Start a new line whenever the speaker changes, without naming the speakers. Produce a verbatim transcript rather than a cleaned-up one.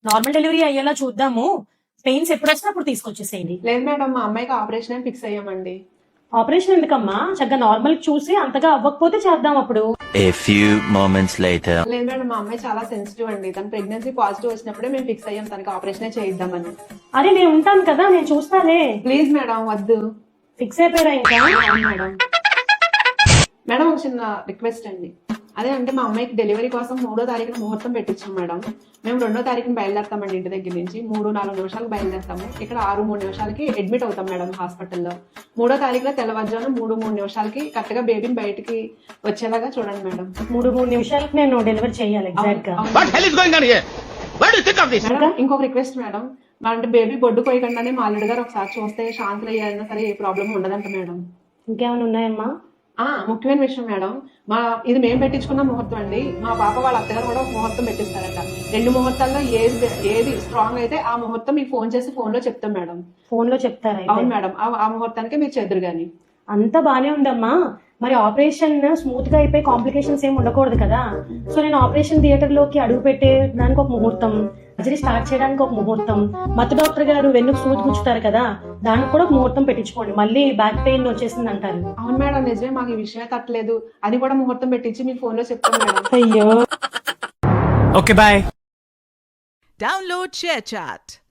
Normal delivery అయ్యేలా చూద్దాము, pains ఎప్పుడు వచ్చినా అప్పుడు తీసుకొచ్చేసేయండి.
లేదు మేడం, మా అమ్మాయికి ఆపరేషన్ అని ఫిక్స్ అయ్యామండి.
ఆపరేషన్ ఎందుకమ్మా, చక్కగా నార్మల్ చూసి అంతగా అవ్వకపోతే చేద్దాం అప్పుడు.
A few moments later.
లేదు మేడం, మా అమ్మాయి చాలా సెన్సిటివ్ అండి. తన ప్రెగ్నెన్సీ పాజిటివ్ వచ్చినప్పుడే మేము ఫిక్స్ అయ్యాం తనకి ఆపరేషనే చేయిద్దామని.
అరే నేను ఉంటాను కదా, నేను చూస్తాలే.
ప్లీజ్ మేడం వద్దు.
ఫిక్స్ అయిపోయారా ఇంకా?
మేడం మేడం ఒక చిన్న రిక్వెస్ట్ అండి. అదే అంటే మా అమ్మాయికి డెలివరీ కోసం మూడో తారీఖున ముహూర్తం పెట్టించాం మేడం. మేము రెండో తారీఖున బయలుదేరుతామండి ఇంటి దగ్గర నుంచి. మూడు నాలుగు నిమిషాలకు బయలుదేరుతాము. ఇక్కడ ఆరు మూడు నిమిషాలకి అడ్మిట్ అవుతాం మేడం హాస్పిటల్లో. మూడో తారీఖున తెల్లవారుజామున మూడు మూడు నిమిషాలకి కరెక్ట్ గా బేబీని బయటికి వచ్చేలాగా చూడండి మేడం.
మూడు మూడు నిమిషాలకి నేను డెలివరీ చేయాలి ఎగ్జాక్ట్ గా.
మేడం ఇంకొక రిక్వెస్ట్ మేడం, మా అంటే బేబీ బొడ్డు పోయకుండానే మా అల్లుడు గారు ఒకసారి చూస్తే శాంతులు అయ్యారైనా సరే ఏ ప్రాబ్లం ఉండదంట మేడం.
ఇంకేమైనా ఉన్నాయమ్మా?
ఆ ముఖ్యమైన విషయం మేడం, మా ఇది మేము పెట్టించుకున్న ముహూర్తం అండి. మా పాప వాళ్ళ అత్తగారు కూడా ఒక ముహూర్తం పెట్టిస్తారట. రెండు ముహూర్తాల్లో ఏది ఏది స్ట్రాంగ్ అయితే ఆ ముహూర్తం మీకు ఫోన్ చేసి ఫోన్ లో చెప్తాం మేడం.
ఫోన్ లో చెప్తారా?
అవును మేడం, ఆ ముహూర్తానికి మీరు చెదురు గాని.
అంతా బానే ఉందమ్మా, మరి ఆపరేషన్ స్మూత్ గా అయిపోయి కాంప్లికేషన్స్ ఏమి ఉండకూడదు కదా. సో నేను ఆపరేషన్ థియేటర్ లోకి అడుగు పెట్టే దానికి ఒక ముహూర్తం, సర్జరీ స్టార్ట్ చేయడానికి ఒక ముహూర్తం, మత్తు డాక్టర్ గారు వెన్నుకు సూది గుచ్చుతారు కదా, దానికి కూడా ఒక ముహూర్తం పెట్టించుకోండి. మళ్ళీ బ్యాక్ పెయిన్ వచ్చేసింది అంటారు.
అవును మేడం నిజమే, మాకు ఈ విషయమే తట్టలేదు. అది కూడా ముహూర్తం పెట్టించి మీకు ఫోన్ లో చెప్తాం మేడం.
అయ్యో.
Okay bye.
Download ShareChat.